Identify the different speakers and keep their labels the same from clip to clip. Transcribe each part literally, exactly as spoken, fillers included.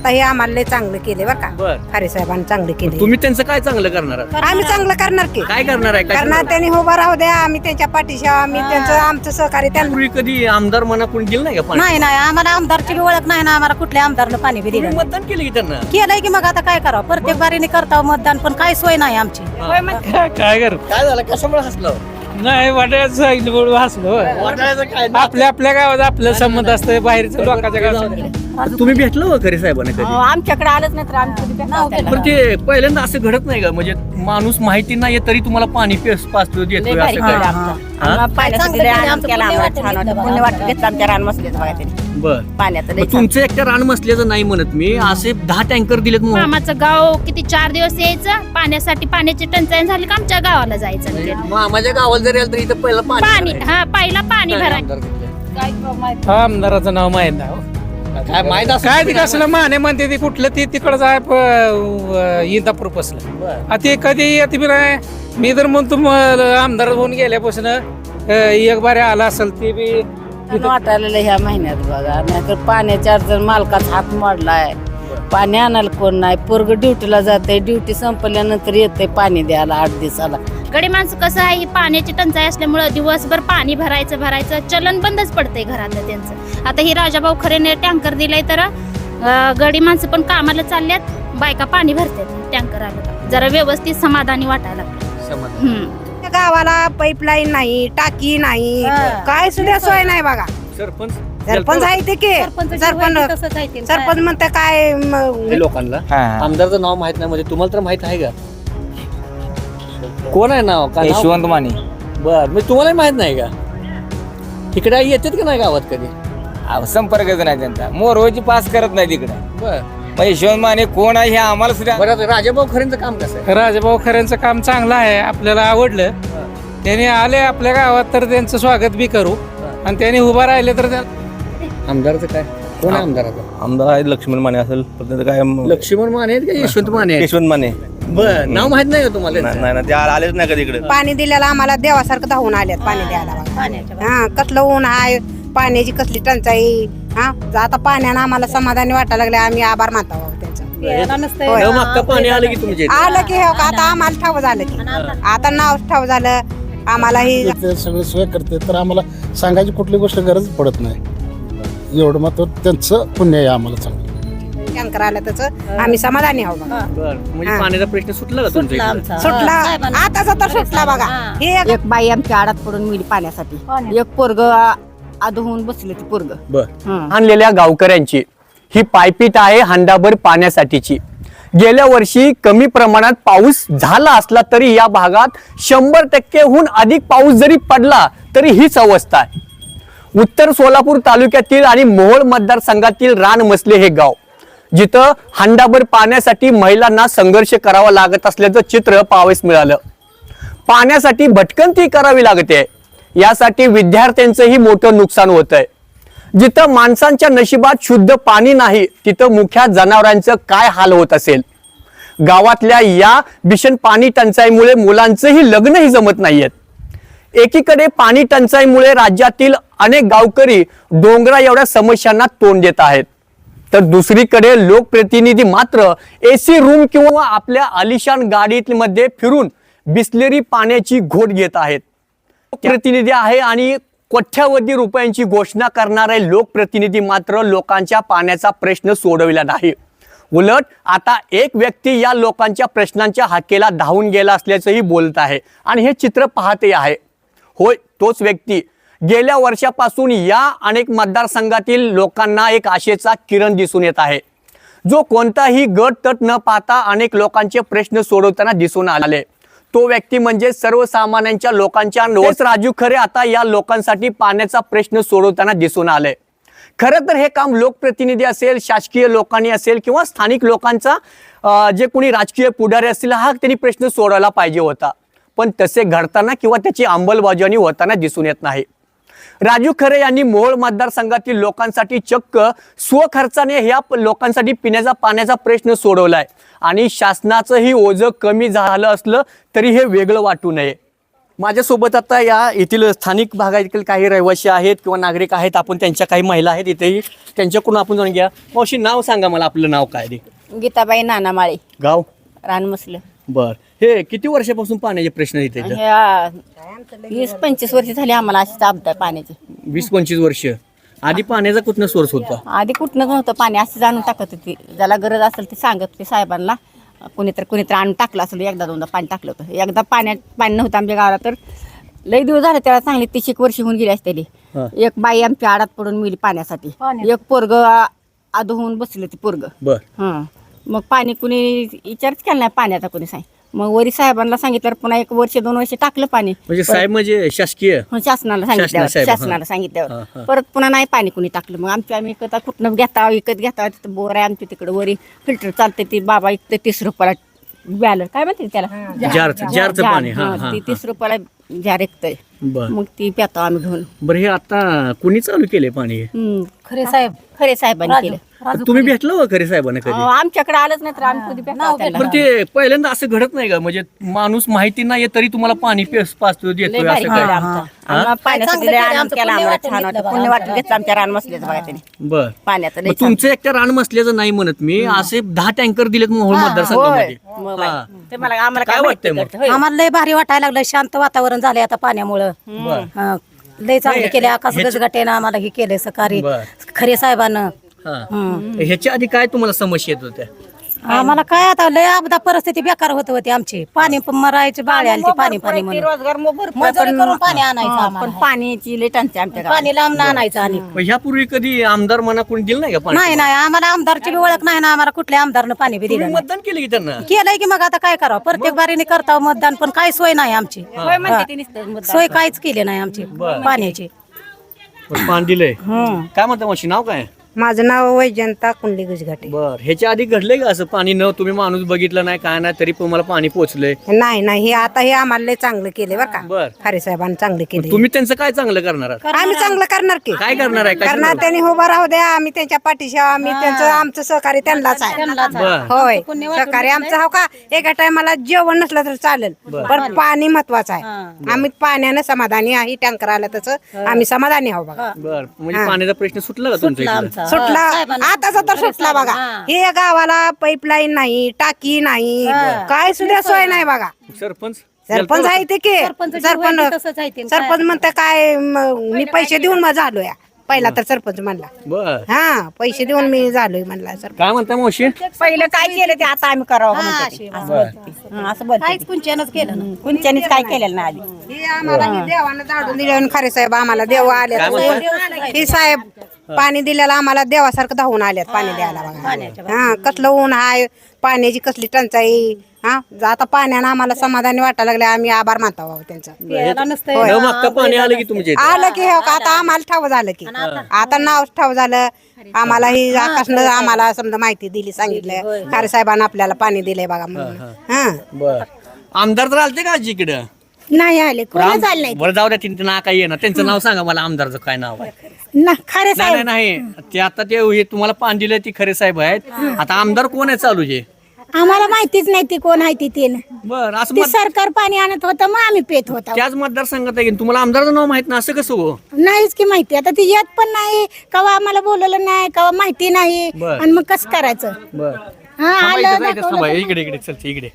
Speaker 1: आता हे आम्हाला लय चांगलं केले बरं का.
Speaker 2: बर.
Speaker 1: खारे साहेबांनी चांगलं केले.
Speaker 2: तुम्ही त्यांचं काय चांगलं करणार आहात?
Speaker 1: आम्ही चांगलं करणार की.
Speaker 2: काय करणार आहे?
Speaker 1: करणार त्यांनी उभा राहू द्या, आम्ही त्यांच्या पाठीशी आहोत, आम्ही त्यांचं आमचं सहकार्य त्यांना.
Speaker 2: पूर्वी कधी आमदार मना कोण गेलं नाही का पाणी?
Speaker 3: नाही नाही आम्हाला आमदारची बी ओळख नाही ना, आम्हाला कुठल्या आमदारनं पाणी बी
Speaker 2: तुम्ही
Speaker 3: दिलं
Speaker 2: मतदान केलं की त्यांना?
Speaker 3: केलंय की. मग आता काय करावं, प्रत्येक बारीने करताव मतदान, पण काय सोय नाही आमची.
Speaker 4: काय कर
Speaker 2: काय झालं? कशामुळे हसलं?
Speaker 4: नाही वाटायचं सांगितलं म्हणून हसलो.
Speaker 2: वाटायचं काय?
Speaker 4: आपल्या आपल्या गावात आपलं संबंध असतं, बाहेरचं लोकांच्या गावात.
Speaker 2: तुम्ही भेटलं हो खरे साहेबांना कधी?
Speaker 3: आमच्याकडे आलंच नाही तर आमचं
Speaker 2: पण ते पहिल्यांदा असं घडत नाही का? म्हणजे माणूस माहिती नाही तरी तुम्हाला पाणी पेस पाचतो देतोय असं काय? हा? बर. मग तुमचं एकट्या रान मसल्याचं नाही म्हणत मी, असे दहा टँकर दिलेत म्हणून.
Speaker 5: मामाचं गाव किती चार दिवस यायचं पाण्यासाठी, पाण्याची टंचाई झाली का आमच्या गावाला जायचं म्हणजे.
Speaker 2: माझ्या गावाला जरी आलं तरी इथं पहिलं
Speaker 5: पाणी
Speaker 2: पाणी
Speaker 5: हा पहिला पाणी भरायचं.
Speaker 4: हा आमदाराचं नाव माहित नाही हो.
Speaker 2: काय माहित असं
Speaker 4: काय ते कसलं माने म्हणते ते कुठलं ते तिकडं जाय इंदापूर पसलं ते कधी येते बी नाही. मी तर म्हणतो मग आमदार होऊन गेल्यापासून अं, एक बारे आला असेल ते बी
Speaker 6: वाटायला ह्या महिन्यात बघा, नाहीतर पाण्याच्या जर मालकाचा हात मोडलाय, पाणी आणायला कोण नाही, पोरग ड्युटीला जाते, ड्युटी संपल्यानंतर येते पाणी द्यायला आठ दिवसाला.
Speaker 5: गडी माणसं कसं आहे, ही पाण्याची टंचाई असल्यामुळं दिवसभर पाणी भरायचं भरायचं चलन बंदच पडतंय घरातलं त्यांचं. आता ही राजाभाऊ खरेने टँकर दिलाय तर अं, गडी माणसं पण कामाला चालल्यात, बायका पाणी भरतात टँकर आलं का. जरा व्यवस्थित समाधानी वाटायला लागलं. हम्म.
Speaker 1: गावाला पाईपलाईन नाही, टाकी नाही, काय सुद्धा सोय नाही बघा.
Speaker 2: सरपंच
Speaker 1: सरपंच आहे ते की सरपंच सरपंच म्हणते काय म-
Speaker 2: हे लोकांना आमदारचं नाव माहित नाही म्हणजे तुम्हाला तर माहित आहे का? कोण आहे नाव? काय नाव?
Speaker 7: यशवंत माने.
Speaker 2: बर. मी तुम्हाला माहित नाही का? तिकडे येतात का नाही गावात कधी?
Speaker 7: अहो, संपर्कच नाही त्यांचा, मोरवची पास करत नाही तिकडे.
Speaker 2: बर.
Speaker 7: मग यशवंत माने कोण आहे हे आम्हाला सुद्धा.
Speaker 2: बरं आता राजाभाऊ खरेंचं काम कसं आहे?
Speaker 4: राजाभाऊ खऱ्यांचं काम चांगलं आहे, आपल्याला आवडलं. त्याने आले आपल्या गावात तर त्यांचं स्वागत बी करू, आणि त्याने उभा राहिले तर त्या-
Speaker 2: आमदारचं काय? कोण आहे आमदाराचा?
Speaker 8: आमदार आहेत लक्ष्मण माने असेल, पण त्याचं काय
Speaker 2: लक्ष्मण माने आहेत का यशवंत माने आहेत?
Speaker 8: यशवंत माने.
Speaker 2: बर. नाव माहित नाही का तुम्हाला?
Speaker 8: नाही नाही, ते आ- आलेच नाही कधी इकडे.
Speaker 1: पाणी दिलेलं आम्हाला देवासारखं धावून आल्यात पाणी द्यायला बघा. हा कसलं ऊन आहे, पाण्याची कसली टंचाई. हा आता पाण्यानं आम्हाला समाधानी वाटायला लागले, आम्ही आभार मानतो त्यांचा. होय.
Speaker 2: न मागता पाणी आलं की तुमच्या इथे?
Speaker 1: आलं की हो का, आता आम्हाला ठाव झालं की, आता नाव ठाव झालं आम्हाला. ही
Speaker 9: ते सगळे सोय करते तर आम्हाला सांगायची कुठली गोष्ट गरज पडत नाही. एवढं मात्र त्यांचं पुण्य आहे आम्हाला चांगलं.
Speaker 1: टँकर आलं त्याचं आम्ही समाधानी आहोत बघा.
Speaker 2: बर. म्हणजे पाण्याचा प्रश्न सुटला का तुमच्या इकडे?
Speaker 1: सुटला आताच तर सुटला बघा. हे एक
Speaker 6: एक बाई आमच्या आडात पडून मिळी पाण्यासाठी, एक पोरग आधुहून बसले ते पोरग.
Speaker 2: बर. आणलेल्या गावकऱ्यांची ही पायपीट आहे हंडाभर पाण्यासाठीची. गेल्या वर्षी कमी प्रमाणात पाऊस झाला असला तरी या भागात शंभर टक्केहून अधिक पाऊस जरी पडला तरी हीच अवस्था आहे. उत्तर सोलापूर तालुक्यातील आणि मोहोळ मतदारसंघातील रानमसले हे गाव, जिथं हंडाभर पाण्यासाठी महिलांना संघर्ष करावा लागत असल्याचं चित्र पाहावयास मिळालं. पाण्यासाठी भटकंती करावी लागते, यासाठी विद्यार्थ्यांचंही मोठं नुकसान होत आहे. जिथं माणसांच्या नशिबात शुद्ध पाणी नाही तिथं मुख्या जनावरांचं काय हाल होत असेल. गावातल्या या भीषण पाणी टंचाईमुळे मुलांचंही लग्नही जमत नाहीयेत. एकीकडे पाणी टंचाईमुळे राज्यातील अनेक गावकरी डोंगरा एवढ्या समस्यांना तोंड देत आहेत, तर दुसरीकडे लोकप्रतिनिधी मात्र एसी रूम किंवा आपल्या आलिशान गाडीमध्ये फिरून बिसलेरी पाण्याची घोट घेत आहेत. प्रतिनिधी आहे आणि कोट्यावधी रुपयांची घोषणा करणारे लोकप्रतिनिधी मात्र लोकांच्या पाण्याचा प्रश्न सोडविला नाही. उलट आता एक व्यक्ती या लोकांच्या प्रश्नांच्या हाकेला धावून गेला असल्याचंही बोलत आहे, आणि हे चित्र पाहते आहे. होय, तोच व्यक्ती गेल्या वर्षापासून या अनेक मतदारसंघातील लोकांना एक आशेचा किरण दिसून येत आहे, जो कोणताही गट तट न पाहता अनेक लोकांचे प्रश्न सोडवताना दिसून आले. तो व्यक्ती म्हणजे सर्वसामान्यांच्या लोकांच्या नोस राजू खरे आता या लोकांसाठी पाण्याचा प्रश्न सोडवताना दिसून आले. खरं तर हे काम लोकप्रतिनिधी असेल, शासकीय लोकांनी असेल किंवा स्थानिक लोकांचा जे कोणी राजकीय पुढारी असतील हा त्यांनी प्रश्न सोडवला पाहिजे होता, पण तसे घडताना किंवा त्याची अंमलबजावणी होताना दिसून येत नाही. राजू खरे यांनी मोहोळ मतदारसंघातील लोकांसाठी चक्क स्वखर्चाने ह्या लोकांसाठी पिण्याचा पाण्याचा प्रश्न सोडवलाय, आणि शासनाचंही ओझं कमी झालं असलं तरी हे वेगळं वाटू नये. माझ्यासोबत आता या येथील स्थानिक भागातील काही रहिवासी आहेत किंवा नागरिक आहेत. आपण त्यांच्या काही महिला आहेत इथेही, त्यांच्याकडून आपण जाणून घ्या. मावशी नाव सांगा मला, आपलं नाव काय रे?
Speaker 6: गीताबाई नानामाळे,
Speaker 2: गाव?
Speaker 6: रानमसलं.
Speaker 2: बर. हे किती वर्षापासून पाण्याचे प्रश्न इथे?
Speaker 6: ह्या वीस पंचवीस वर्ष झाली आम्हाला अशी चाबत पाण्याची.
Speaker 2: वीस पंचवीस वर्ष आधी पाण्याचा कुठनं सोर्स होता?
Speaker 6: आधी कुठनं नव्हतं पाणी, अशी जाणून टाकत होती. ज्याला गरज असेल ते सांगत होते साहेबांना. कुणीतरी कुणीतरी आणून टाकलं असेल, एकदा दोनदा पाणी टाकलं होतं. एकदा पाण्यात पाणी नव्हतं आमच्या गावाला, तर लई दिवस झाले त्याला, चांगली तीस एक वर्ष होऊन गेली असते. एक बाई आमची आडात पडून मिली पाण्यासाठी. एक पोरग आधो होऊन बसले ते पोरग.
Speaker 2: बर.
Speaker 6: हं. मग पाणी कुणी विचारच केला नाही पाण्याचा, कुणी सांग. मग वरी साहेबांना सांगितलं, पुन्हा एक वर्ष दोन वर्ष टाकलं पाणी.
Speaker 2: म्हणजे साहेब म्हणजे शासकीय?
Speaker 6: हं, शासनाला सांगितल्यावर शासनाला सांगितल्यावर परत पुन्हा नाही पाणी कुणी टाकलं. मग आमच्या आम्ही विकत कुठनं घेता विकत घेता तिथं बोर आहे आमच्या तिकडे, वरी फिल्टर चालते ती बाबा इकते तीस रुपयाला बॅलर, काय म्हणते त्याला,
Speaker 2: जारचं जारचं पाणी. हा
Speaker 6: हं,
Speaker 2: हा
Speaker 6: ती तीस रुपयाला जार ऐकतंय.
Speaker 2: बर.
Speaker 6: मग ती पितो आम्ही घेऊन.
Speaker 2: बरं, हे आता कुणी चालू केले पाणी?
Speaker 6: हं, खरे साहेब खरे साहेबांनी केलं.
Speaker 2: तुम्ही भेटला हो खरे साहेबांना कधी?
Speaker 6: अं, आमच्याकडे आलंच नाही तर आम्ही कधी भेटलो त्याला.
Speaker 2: बरं, ते पहिल्यांदा असं घडत नाही का, म्हणजे माणूस माहिती नाही तरी तुम्हाला पाणी पेस पाचतो
Speaker 6: लय
Speaker 2: देतोय
Speaker 6: भारी
Speaker 2: असं
Speaker 6: केलं
Speaker 2: काय?
Speaker 6: आमचं. आम्हाला पाण्यासाठी लय आनंद केला, आम्हाला छान वाटतं. पुण्य वाटून घेतलं आमच्या रान मसल्याचं बघा त्याने
Speaker 2: बर.
Speaker 6: पाण्याचं लय
Speaker 2: मग तुमचं एकट्या रान मसल्याचं नाही म्हणत मी, असे दहा टँकर दिलेत मोहोळ मतदारसंघामध्ये.
Speaker 6: मग
Speaker 2: हा.
Speaker 6: ते मला आम्हाला
Speaker 2: काय
Speaker 6: काय
Speaker 2: वाटतंय
Speaker 6: माहिती
Speaker 2: मग?
Speaker 6: होय.
Speaker 3: आम्हाला लय भारी वाटायला लागलं, शांत वातावरण झालंय आता पाण्यामुळं.
Speaker 2: बर.
Speaker 3: हं, लय चांगले केले. आकाश गजगटेनं आम्हाला हे केले सकाळी
Speaker 2: बर.
Speaker 3: खरे साहेबानं.
Speaker 2: हा. ह्याच्या आधी काय तुम्हाला समस्या येत होत्या?
Speaker 3: आम्हाला काय आता लय आपदा परिस्थिती बेकार होत होती आमची. पाणी पण मरायचे बाळे आली पाणी पाणी म्हणून.
Speaker 6: रोजगार मग भरपूर
Speaker 3: मजुरी
Speaker 6: पण-
Speaker 3: करून पाणी आणायचं
Speaker 6: हा,
Speaker 3: आम्हाला.
Speaker 6: पण पाण्याची लय टंचाई आमच्या गावात.
Speaker 3: पाणी लांब आणायचं आणि
Speaker 2: मग ह्यापूर्वी कधी आमदार मना कोणी दिलं नाही का पाणी?
Speaker 3: नाही नाही आम्हाला आमदारची बी ओळख नाही ना, आम्हाला कुठल्या आमदारनं पाणी बी दिलं
Speaker 2: तुम्ही
Speaker 3: नाही.
Speaker 2: मतदान केलं की त्यांना?
Speaker 3: केलंय की मग आता काय करावं, प्रत्येक बारीने करताव मतदान, पण काय सोय नाही आमची.
Speaker 6: होय म्हणते ते नुसतं मतदान.
Speaker 3: सोय काहीच केली नाही आमची पाण्याची.
Speaker 2: पण पाणी दिलंय.
Speaker 3: हं.
Speaker 2: काय म्हणता मावशी, नाव काय?
Speaker 1: माझं नाव वैजंता कुंडली गुजघाटे.
Speaker 2: बर. ह्याच्या आधी घडलंय का असं पाणी न तुम्ही माणूस बघितलं नाही काय नाही तरी पण मला पाणी पोहोचलंय?
Speaker 1: नाही नाही, हे आता हे आम्हाला लय चांगलं केले बरं का.
Speaker 2: बर.
Speaker 1: खरे साहेबांनी चांगलं केले.
Speaker 2: तुम्ही त्यांचं काय चांगलं करणार आहात?
Speaker 1: आम्ही चांगलं करणार की.
Speaker 2: काय करणार आहे? काय
Speaker 1: करणार, त्यांनी उभं राहू द्या, आम्ही त्यांच्या पाठीशी आहोत. आम्ही त्यांचं आमचं सहकार्य त्यांनाच आहे.
Speaker 2: बर.
Speaker 1: होय, सहकार्य आमचं हो का. एका टायमाला जेवण नसलं तर चालेल, पण पाणी महत्वाचं आहे. आम्ही पाण्यानं समाधानी आहे. टँकर आलं तसं आम्ही समाधानी आहोत बघा.
Speaker 2: बर. म्हणजे पाण्याचा प्रश्न सुटला का तुमच्या इकडे?
Speaker 1: सुटला आताचा तर सुटला बघा. हे गावाला पाईपलाईन नाही, टाकी नाही, काय सुद्धा सोय नाही बघा.
Speaker 2: सरपंच
Speaker 1: सरपंच आहे ते की
Speaker 3: सरपंच
Speaker 1: सरपंच सरपंच म्हणतं काय म- मी पैसे देऊन मग झालो या. पहिला तर सरपंच म्हणला,
Speaker 2: बर.
Speaker 1: हा पैसे देऊन मी झालोय म्हणला सरपंच.
Speaker 2: काय म्हणता मावशी?
Speaker 6: पहिलं काय केलं ते आता आम्ही करावं का म्हणते ते. असं बोलते ती. हं, असं बोलते
Speaker 3: काहीच
Speaker 6: ती.
Speaker 3: कुंचनच केलं ना.
Speaker 6: कुणच्यानीच काय केलेलं नाही आधी.
Speaker 1: हे आम्हाला हे देवानं झाडून दिलं, खरे साहेब आम्हाला देव आले. हे साहेब पाणी दिलेलं आम्हाला देवासारखं धावून आल्यात पाणी द्यायला बघा. हा, कसलं ऊन आहे, पाण्याची कसली टंचाई. हा, आता पाण्यानं आम्हाला समाधानी वाटायला लागले. आम्ही आभार मानतो बाबा त्यांचा.
Speaker 2: न मागता पाणी आलं की तुमच्या इथे?
Speaker 1: आलं की हो का, आता आम्हाला ठाव झालं की, आता नाव ठाव झालं आम्हाला. ही आकाशनं आम्हाला समजा माहिती दिली, सांगितलं खरे साहेबांना आपल्याला पाणी दिलंय बघा म्हणून. हा,
Speaker 2: बर. आमदार तर आलते का आजी इकडं?
Speaker 3: नाही आले, कोणच आले नाही.
Speaker 2: बरं, जाऊ द्या. त्यांचं नाव काय येणार, त्यांचं नाव सांगा मला. आमदारचं काय नाव आहे?
Speaker 3: ना खरे
Speaker 2: नाही
Speaker 3: साहेब
Speaker 2: नाही नाही, ते आता ते हे तुम्हाला पाणी दिलंय ती खरे साहेब आहेत. आता आमदार कोण आहे चालू जे?
Speaker 3: आम्हाला माहितीच नाही ती कोण आहे ती तीन.
Speaker 2: बर. असं
Speaker 3: ती
Speaker 2: मत-
Speaker 3: सरकार पाणी आणत होतं, मग आम्ही पेत होतो.
Speaker 2: त्याच मतदारसंघात आहे की तुम्हाला आमदारचं नाव माहित नाही असं कसं हो?
Speaker 3: नाहीच की माहिती. आता ती येत पण नाही, कवा आम्हाला बोलवलं नाही, कवा माहिती नाही,
Speaker 2: बर.
Speaker 3: आणि मग कसं करायचं.
Speaker 2: बर.
Speaker 3: हा आलं दाखवलं.
Speaker 2: इकडे इकडे चल इकडे.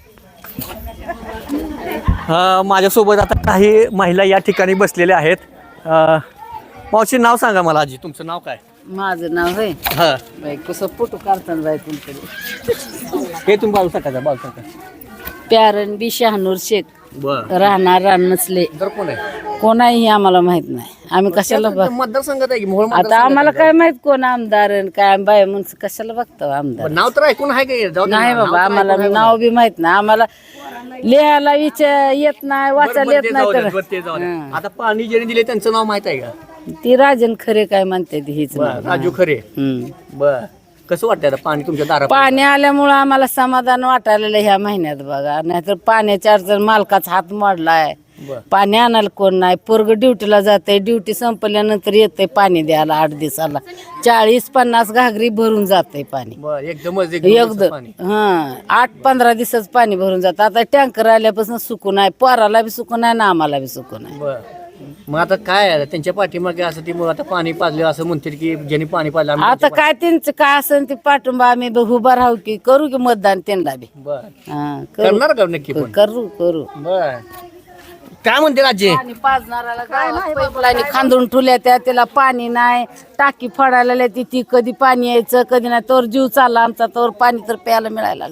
Speaker 2: हा, माझ्यासोबत आता काही महिला या ठिकाणी बसलेल्या आहेत. अं, मावशी नाव सांगा मला. आजी तुमचं नाव काय?
Speaker 6: माझं नाव आहे
Speaker 2: हा,
Speaker 6: बाई, कसं फोटो काढताना बाई तुमच्याकडे.
Speaker 2: हे तुम्ही बाजू टाका बाजू टाका.
Speaker 6: प्यारण बी शहानूर शेख,
Speaker 2: बर.
Speaker 6: राहणार रान नसले.
Speaker 2: तर कोण आहे?
Speaker 6: कोणाही आम्हाला माहित नाही. आम्ही कशाला बघ
Speaker 2: मतदारसंघात आहे की मोहोळ
Speaker 6: आता
Speaker 2: मतदारसंघात
Speaker 6: आम्हाला
Speaker 2: आहे
Speaker 6: काय माहित कोण आमदार आणि काय बाय म्हणून कशाला बघतो आमदार.
Speaker 2: पण नाव तर ऐकून आहे का? जाऊ दे ना,
Speaker 6: नाही
Speaker 2: नाव
Speaker 6: बाबा,
Speaker 2: तर
Speaker 6: आम्हाला
Speaker 2: ऐकून आहे
Speaker 6: नाव बी माहित नाही. आम्हाला लिहायला विचार येत नाही,
Speaker 2: बरं,
Speaker 6: वाचायला
Speaker 2: बरं,
Speaker 6: येत
Speaker 2: ते
Speaker 6: नाही
Speaker 2: जाऊ दे,
Speaker 6: तर
Speaker 2: बरं, ते जाऊ दे.
Speaker 6: हं.
Speaker 2: आता पाणी ज्याने दिले त्यांचं नाव माहित आहे का?
Speaker 6: ती राजन खरे काय म्हणते ती हीच
Speaker 2: बर.
Speaker 6: नाव.
Speaker 2: राजू खरे.
Speaker 6: हम्म.
Speaker 2: बर. कसं वाटतं आता पाणी तुमच्या दारात?
Speaker 6: पाणी आल्यामुळं आम्हाला समाधान वाटायला ह्या महिन्यात बघा. नाहीतर पाण्याच्या अडचण मालकाचा हात मोडलाय.
Speaker 3: पाणी आणायला कोण नाही. पोरग ड्युटीला जाते, ड्युटी संपल्यानंतर येते पाणी द्यायला आठ दिवसाला चाळीस पन्नास घागरी भरून जाते पाणी
Speaker 2: एकदमच
Speaker 3: एकदम. हा आठ पंधरा दिवसाच पाणी भरून जातं. आता टँकर आल्यापासून सुकून आहे, पोराला बी सुकून आहे ना आम्हाला बी सुकून आहे.
Speaker 2: मग आता काय आहे त्यांच्या पाठीमागे असं ती मग आता पाणी पाजलं असं म्हणते की ज्यांनी पाणी पाजलं आम्ही
Speaker 3: आता काय त्यांचं काय असेल ते पाठिंबा आम्ही बी उभा राहू की करू की मतदान त्यांना बी.
Speaker 2: बरं.
Speaker 3: हा करू
Speaker 2: करणार का नक्की पण
Speaker 3: करू करू
Speaker 2: बर काय म्हणते राजे
Speaker 3: पाणी पाजणाराला पाईपलाईन खांदून ठेवल्या त्या त्याला पाणी नाही. टाकी फोडायला लागली ती कधी पाणी यायचं कधी नाही. तोवर जीव चालला आमचा, तोवर पाणी तर प्यायला मिळायला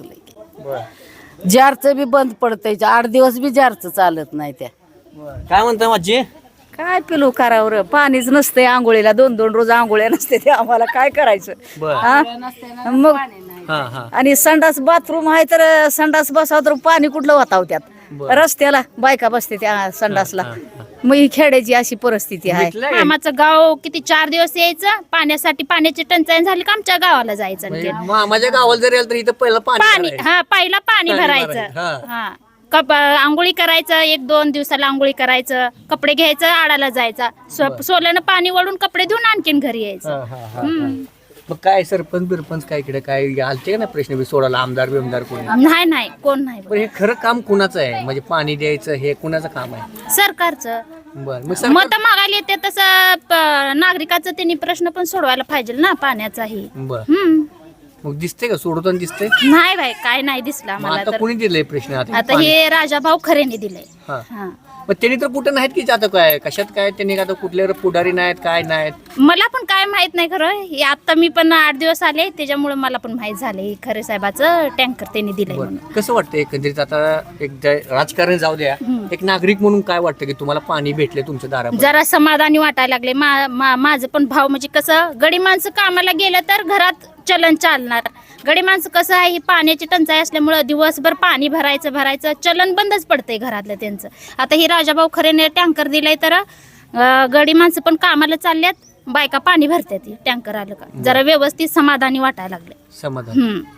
Speaker 3: लागले. जारचं बी बंद पडतंय, आठ दिवस बी जारचं चालत नाही. त्या
Speaker 2: काय म्हणता माझी
Speaker 3: काय पिलू करावर पाणीच नसतंय आंघोळीला, दोन दोन रोज आंघोळ्या नसते ते आम्हाला काय करायचं हा? मग आणि संडास बाथरूम आहे तर संडास बसावं तर पाणी कुठलं वाताव त्यात रस्त्याला बायका बसते त्या संडासला. मग ही खेड्याची अशी परिस्थिती आहे.
Speaker 5: मामाचं गाव किती चार दिवस यायचं पाण्यासाठी, पाण्याची टंचाई झाली का आमच्या गावाला जायचं आणखी.
Speaker 2: माझ्या गावाला जर आलं तर इथं पहिलं
Speaker 5: पाणी
Speaker 2: पाणी
Speaker 5: हा पहिला पाणी
Speaker 2: पाणी
Speaker 5: भरायचं.
Speaker 2: भरायचं, हा.
Speaker 5: हा कप आंघोळी करायचं, एक दोन दिवसाला आंघोळी करायचं, कपडे घ्यायचं, आडाला जायचं, सो- सोल्यानं पाणी वळून कपडे धुवून आणखीन घरी यायचं. हम्म.
Speaker 2: मग काय सरपंच बिरपंच काय इकडे काय आलते का ना प्रश्न बी सोडायला आमदार बिमदार कोणी
Speaker 5: नाही नाही कोण नाही
Speaker 2: पण हे खरं काम कुणाचं आहे म्हणजे पाणी द्यायचं हे कुणाचं काम आहे.
Speaker 5: सरकारचं.
Speaker 2: बरं मग सरकार-
Speaker 5: मत मागायला येते तसं प- नागरिकाचं त्यांनी प्रश्न पण सोडवायला पाहिजे ना पाण्याचाही.
Speaker 2: बरं
Speaker 5: हम्म
Speaker 2: मग दिसते का सोडवताना दिसते.
Speaker 5: नाही बाई काय नाही दिसला
Speaker 2: मग
Speaker 5: मला
Speaker 2: आता
Speaker 5: तर.
Speaker 2: कोणी दिलंय प्रश्न आता
Speaker 5: आता हे राजाभाऊ खरेने दिलंय.
Speaker 2: हा.
Speaker 5: हा.
Speaker 2: मग त्यांनी तर कुठं नाहीत की आता काय कशात काय त्यांनी आता कुठले पुढारी नाहीत काय नाहीत.
Speaker 5: मला पण काय माहित नाही खरं हे आता मी पण आठ दिवस आले त्याच्यामुळे मला पण माहित झाले खरे साहेबाचं टँकर त्यांनी दिलंय म्हणून.
Speaker 2: कसं वाटतं एकंदरीत आता एक द- राजकारण जाऊ द्या एक नागरिक म्हणून काय वाटतं की तुम्हाला पाणी भेटले तुमच्या दारात
Speaker 5: जरा समाधानी वाटायला लागले. मा- मा- माझं पण भाव म्हणजे कसं गडी माणसं कामाला गेलं तर घरात चलन चालणार. गडी माणसं कसं आहे ही पाण्याची टंचाई असल्यामुळं दिवसभर पाणी भरायचं भरायचं चलन बंदच पडतंय घरातलं त्यांचं. आता ही राजाभाऊ खरेने टँकर दिलाय तर अं, गडी माणसं पण कामाला चालल्यात, बायका पाणी भरतात टँकर आलं का. जरा व्यवस्थित समाधानी वाटायला लागले.
Speaker 2: समाधान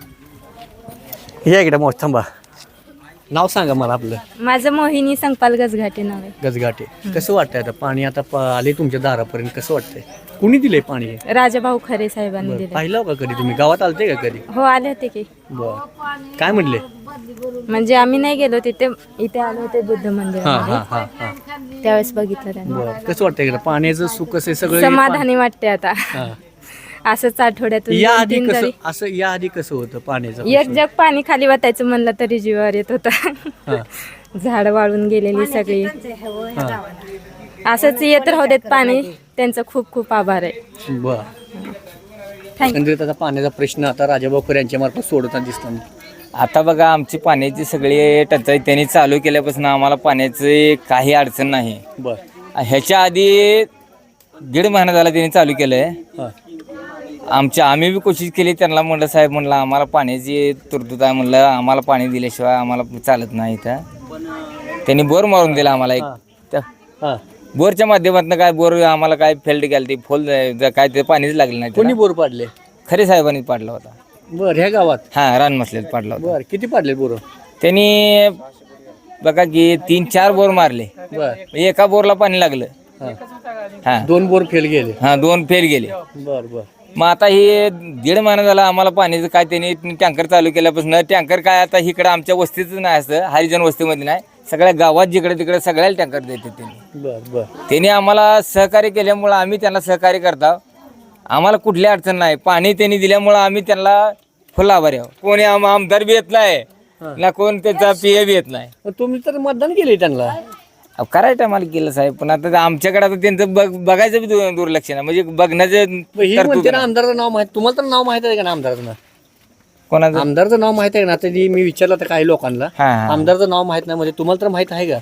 Speaker 5: हम्म
Speaker 2: या इकडे मोठ थांबा. नाव सांगा मला आपलं.
Speaker 10: माझं मोहिनी संकपाल गजघाटे नाव आहे.
Speaker 2: गजघाटे. कसं वाटतंय आता पाणी आता प- आले तुमच्या दारापर्यंत कसं वाटतंय कुणी दिलंय पाणी हे?
Speaker 10: राजाभाऊ खरे साहेबांनी
Speaker 2: बरं.
Speaker 10: दिले.
Speaker 2: पाहिलं का कधी तुम्ही गावात आलते का कधी.
Speaker 10: हो आले होते की.
Speaker 2: बर काय म्हणले.
Speaker 10: म्हणजे आम्ही नाही गेलो तिथे, इथे आलो होते बुद्ध
Speaker 2: हा
Speaker 10: मंदिरामध्ये,
Speaker 2: हा हा हा
Speaker 10: त्यावेळेस बघितलं त्यांनी.
Speaker 2: बर कसं वाटतंय इकडे पाण्याचं सुख कसं आहे सगळं
Speaker 10: समाधानी वाटते आता.
Speaker 2: हा.
Speaker 10: असंच आठवड्यातून
Speaker 2: या
Speaker 10: दोन
Speaker 2: आधी
Speaker 10: तीन
Speaker 2: कसं
Speaker 10: तरी
Speaker 2: असं या आधी कसं होतं पाण्याचं
Speaker 10: एक जग पाणी खाली वाटायचं म्हणलं तरी जीवावर येत होतं.
Speaker 2: हा.
Speaker 10: झाड वाळून गेलेली सगळी. असंच येत राहू देत पाणी, त्यांचं खूप खूप आभार आहे.
Speaker 2: बर एकंदरीत आता पाण्याचा प्रश्न आता राजाभाऊ यांच्या मार्फत सोडवताना दिसतो.
Speaker 7: आता बघा आमची पाण्याची सगळी टंचाई त्यांनी चालू केल्यापासून आम्हाला पाण्याची काही अडचण नाही.
Speaker 2: बर
Speaker 7: ह्याच्या आधी दीड महिना झाला त्यांनी चालू केलं आहे.
Speaker 2: हा.
Speaker 7: आमच्या आम्ही बी कोशिश केली त्यांना म्हणलं साहेब म्हणलं आम्हाला पाण्याची तुरतूत आहे म्हणलं आम्हाला पाणी दिल्याशिवाय आम्हाला चालत नाही इथं. त्यांनी बोर मारून दिला आम्हाला एक त्या
Speaker 2: हा.
Speaker 7: बोरच्या माध्यमातून काय बोर आम्हाला काय फेल्ट गेलं ती फुल काय ते पाणीच लागलं नाही
Speaker 2: कोणी
Speaker 7: त्याला.
Speaker 2: बोर पाडले.
Speaker 7: खरे साहेबांनी पाडला होता.
Speaker 2: बर ह्या गावात.
Speaker 7: हा रान मसलेत पाडला होता.
Speaker 2: बर किती पाडले बोर.
Speaker 7: त्यांनी बघा की तीन चार बोर मारले.
Speaker 2: बर
Speaker 7: एका बोरला पाणी लागलं.
Speaker 2: हा.
Speaker 7: हा
Speaker 2: दोन बोर फेल गेले.
Speaker 7: हा दोन फेल गेले.
Speaker 2: बर बर
Speaker 7: मग आता हे दीड महिना झाला आम्हाला पाण्याचं काय त्यांनी टँकर चालू केल्यापासून टँकर काय आता इकडं आमच्या वस्तीच नाही असं हरिजन वस्तीमध्ये नाही सगळ्या गावात जिकडे तिकडे सगळ्याला टँकर देते त्यांनी.
Speaker 2: बर बर
Speaker 7: त्यांनी आम्हाला सहकार्य केल्यामुळं आम्ही त्यांना सहकार्य करतो. आम्हाला कुठली अडचण नाही. पाणी त्यांनी दिल्यामुळं आम्ही त्यांना फुल आभारी आहोत. कोणी आम आमदार बी येत नाही ना कोण त्याचा पी ए बी येत नाही.
Speaker 2: मग तुम्ही तर मतदान केले त्यांना.
Speaker 7: अहो, करायचं आम्हाला केलं साहेब पण आता आमच्याकडे आता त्यांचं बघ बघायचं बी दु- दुर्लक्ष नाही म्हणजे बघण्याचं
Speaker 2: मग ही
Speaker 7: तरतूद
Speaker 2: म्हणते ना
Speaker 7: नाही.
Speaker 2: आमदारचं नाव माहित तुम्हाला तर नाव माहित आहे का ना आमदारचं.
Speaker 7: कोणाचं
Speaker 2: आमदारचं नाव माहित आहे का ना आता जी मी विचारलं तर काही लोकांना
Speaker 7: हा, हा.
Speaker 2: आमदारचं नाव माहित नाही म्हणजे तुम्हाला तर माहित आहे का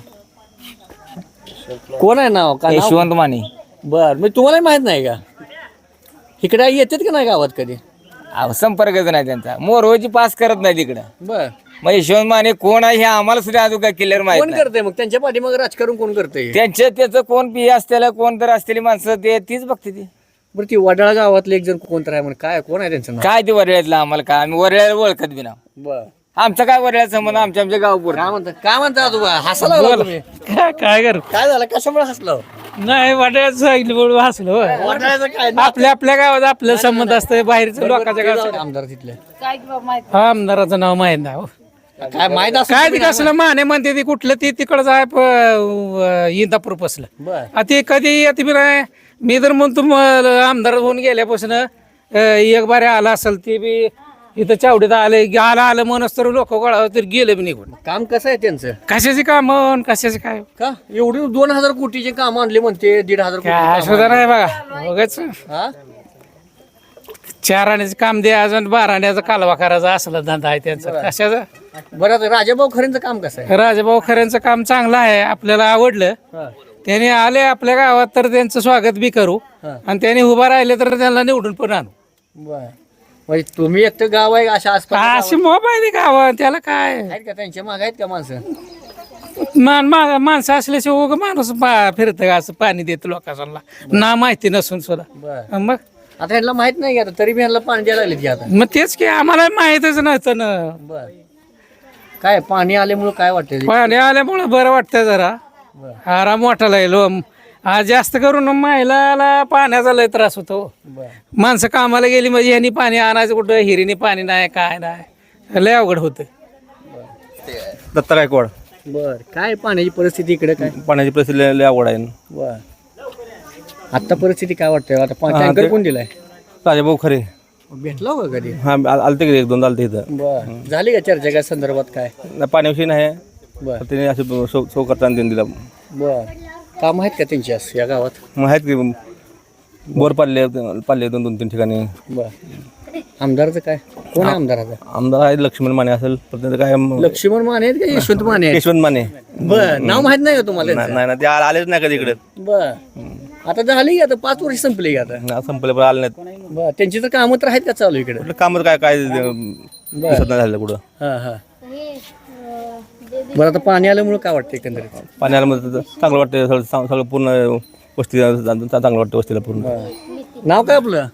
Speaker 2: कोण आहे नाव का नाव?
Speaker 7: यशवंत माने.
Speaker 2: बर मग तुम्हाला माहित नाही का इकडे येतात का नाही गावात कधी.
Speaker 7: अहो, संपर्कच नाही त्यांचा मोरवची पास करत नाही तिकडं.
Speaker 2: बर
Speaker 7: मग यशवंत माने कोण आहे हे आम्हाला सुद्धा अजून काय क्लिअर माहित
Speaker 2: कोण
Speaker 7: नाही.
Speaker 2: करते मग त्यांच्या पाठीमागे राजकारण कोण करते.
Speaker 7: त्यांच्या त्याचं कोण पी असलेलं कोण तर असलेली माणसं ते तीच बघते ती.
Speaker 2: बरं ती वडाळा गावातले एक जण कोण तर आहे म्हणून काय कोण आहे त्यांचं नाव.
Speaker 7: काय ते वरळ्यातलं आम्हाला काय आम्ही वरळ्याला ओळखत बी ना.
Speaker 2: बर
Speaker 7: आमचा काय वडिला संबंध आमच्या आमच्या गावपूर
Speaker 2: काय म्हणता काय म्हणता आजोबा हसायला लागला तुम्ही?
Speaker 4: काय काय कर
Speaker 2: काय झालं कशामुळे हसलो
Speaker 4: नाही वाटायचं सांगितलं म्हणून हसलो होय.
Speaker 2: वाटायचं काय
Speaker 4: आपल्या आपल्या गावात आपलं संबंध असतं बाहेरचं लोकांच्या गावात
Speaker 2: आमदार तिथले
Speaker 4: आमदाराचं नाव माहित नाही हो.
Speaker 2: काय माहित असं
Speaker 4: काय ते कसलं माने म्हणते ते कुठलं ते तिकडचं आहे प- अं, इंदापूर पसलं
Speaker 2: बर
Speaker 4: आ ते कधी येते बी नाही मी तर म्हणतो म- आमदार होऊन गेल्यापासून अं, एक बारे आला असेल ते बी इथं चावडीत आले की आला आलं म्हणून तर लोक गोळा तर गेले बी निघून
Speaker 2: काम कसं आहे त्यांचं
Speaker 4: कशाचे काम कशाचे काय
Speaker 2: का एवढी दोन हजार कोटीचे काम आणले म्हणते दीड हजार कोटी
Speaker 4: काय सुद्धा नाही बघा बघाच
Speaker 2: हा?
Speaker 4: चार आण्याचं काम द्या अजून बारा आण्याचा कालवा करायचा असला धंदा आहे त्यांचा कशाचा
Speaker 2: बरं आता राजाभाऊ खरेंचं काम कसं आहे
Speaker 4: राजाभाऊ खऱ्यांचं काम चांगलं आहे आपल्याला आवडलं
Speaker 2: हा.
Speaker 4: त्याने आले आपल्या गावात तर त्यांचं स्वागत बी करू आणि त्याने उभा राहिले तर त्यांना निवडून पण आणू
Speaker 2: बर म्हणजे तुम्ही एकटं गाव आहे अशा आसपास
Speaker 4: अशी मोबाईल गावात त्याला काय
Speaker 2: आहेत का त्यांच्या माग आहेत का माणसं
Speaker 4: मान मा- माणसं असल्याशिवाय उगा माणूस फिरत असं पाणी देत लोकांना ना माहिती नसून सुद्धा
Speaker 2: बर
Speaker 4: मग
Speaker 2: आता ह्यांना माहित नाही आता तरी बी ह्यांना पाणी द्यायला लागले की आता
Speaker 4: मग तेच की आम्हाला माहितच नव्हतं ना
Speaker 2: बर काय पाणी आल्यामुळे काय वाटतं
Speaker 4: पाणी आल्यामुळं बरं वाटतं जरा आराम वाटायला येलो आज जास्त करून महिलाला पाण्याचा लय त्रास होतो
Speaker 2: बर
Speaker 4: माणसं कामाला गेली म्हणजे ह्यांनी पाणी आणायचं कुठं हिरीने पाणी नाही काय नाही लय अवघड होतं
Speaker 8: दत्ता गायकवाड
Speaker 2: बर काय पाण्याची परिस्थिती इकडे काय
Speaker 8: पाण्याची परिस्थिती लय- लय अवघड आहे
Speaker 2: बर आता परिस्थिती काय वाटतंय आता पा- टँकर कोण दिलाय
Speaker 8: राजाभाऊ खरे
Speaker 2: भेटला हो का कधी
Speaker 8: हा आल- आलते की एक दोन आलते इथं
Speaker 2: बर झाली का चर्चा काय संदर्भात काय
Speaker 8: नाही, पाण्याविषयी नाही
Speaker 2: बर
Speaker 8: तर त्याने असे सौ सौ करताना देऊन दिला
Speaker 2: बर काम आहेत का त्यांची असं या गावात
Speaker 8: मग आहेत की बोर पाडले पाडले दोन दोन तीन ठिकाणी
Speaker 2: बर आमदारचं काय कोण आहे आमदाराचा
Speaker 8: आमदार आहेत लक्ष्मण माने असेल पण त्याचं काय
Speaker 2: लक्ष्मण माने आहेत का यशवंत माने आहेत
Speaker 8: यशवंत माने
Speaker 2: बर नाव माहित नाही का तुम्हाला
Speaker 8: नाही नाही ना, ते आ- आलेच नाही कधी इकडे
Speaker 2: बर आता झाली की आता पाच वर्ष संपली की आता
Speaker 8: संपले पण आले नाहीत
Speaker 2: बर त्यांची तर कामं तर आहेत का चालू इकडे
Speaker 8: कुठलं काम काय काय दिसत नाही झालं कुठं
Speaker 2: हा हा बरं आता पाणी आल्यामुळे काय वाटतं एकंदरीत
Speaker 8: पाणी आल्यामध्ये तर चांगलं वाटतं सगळं चांग- सगळं पूर्ण वस्ती चांगलं वाटतं वस्तीला पूर्ण
Speaker 2: नाव काय आपलं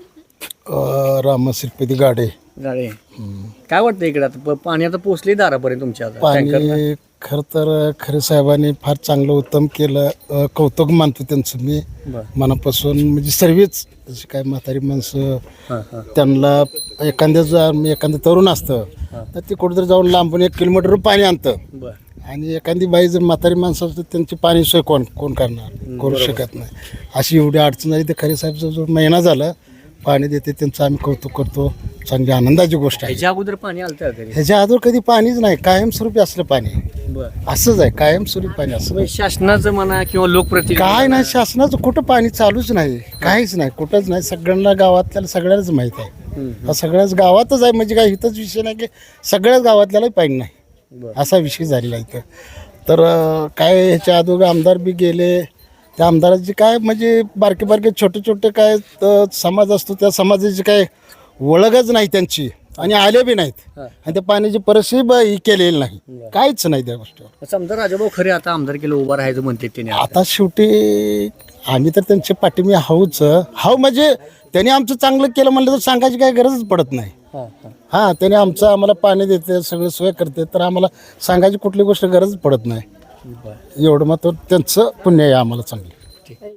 Speaker 9: राम श्रीपती गाडे
Speaker 2: गाडे काय वाटतं इकडे आता प- पाणी आता पोचली दारापर्यंत तुमच्या आता टँकर
Speaker 9: पाणी खरं तर खरे साहेबांनी फार चांगलं उत्तम केलं अ, कौतुक मानतो त्यांचं मी
Speaker 2: बरं.
Speaker 9: मनापासून म्हणजे सर्वच जशी काय म्हातारी माणसं
Speaker 2: हां हां
Speaker 9: त्यांना एखाद्या जर एखादं तरुण असतं तर ते कुठेतरी जाऊन लांबून एक किलोमीटर पाणी आणतं
Speaker 2: बरं
Speaker 9: आणि एखादी बाई जर म्हातारी माणसं असतं त्यांची पाणी सोय कोण कोण करणार करू शकत नाही अशी एवढी अडचण झाली तर खरे साहेबचा जो महिना झाला पाणी देते त्यांचं आम्ही कौतुक करतो चांगली आनंदाची गोष्ट आहे.
Speaker 2: ह्याच्या अगोदर पाणी आलं का घरी
Speaker 9: ह्याच्या अगोदर कधी पाणीच नाही कायमस्वरूपी असलं पाणी
Speaker 2: बरं
Speaker 9: असंच आहे कायमस्वरूपी पाणी असं
Speaker 2: म्हणजे शासनाचं म्हणा किंवा लोकप्रतिनिधी
Speaker 9: काय नाही शासनाचं कुठं पाणी चालूच नाही काहीच नाही कुठंच नाही सगळ्यांना गावातल्याला सगळ्यालाच माहीत आहे हा सगळ्याच गावातच आहे म्हणजे काय इथंच विषय नाही की सगळ्याच गावातल्यालाही पाणी नाही असा विषय झालेला आहे इथं तर अं, काय ह्याच्या अगोदर आमदार बी गेले त्या आमदाराची काय म्हणजे बारके बारके छोटे छोटे काय अं, समाज असतो त्या समाजाची काय ओळखच नाही त्यांची आणि आले बी नाहीत आणि त्या पाण्याची परिस्थिती ब- ही केलेली नाही काहीच नाही त्या गोष्टीवर
Speaker 2: समजा राजाभाऊ खरे आता आमदार केलं उभं राहायचं म्हणते त्याने
Speaker 9: आता शेवटी आम्ही तर त्यांच्या पाठीमी हाऊच हाव म्हणजे त्यांनी आमचं चांगलं केलं म्हणलं तर सांगायची काही गरजच पडत नाही
Speaker 2: हां हां
Speaker 9: हां त्याने आमचं आम्हाला पाणी देते सगळं सोय करते तर आम्हाला सांगायची कुठली गोष्ट गरज पडत नाही एवढं मात्र त्यांचं पुण्य आहे आम्हाला चांगलं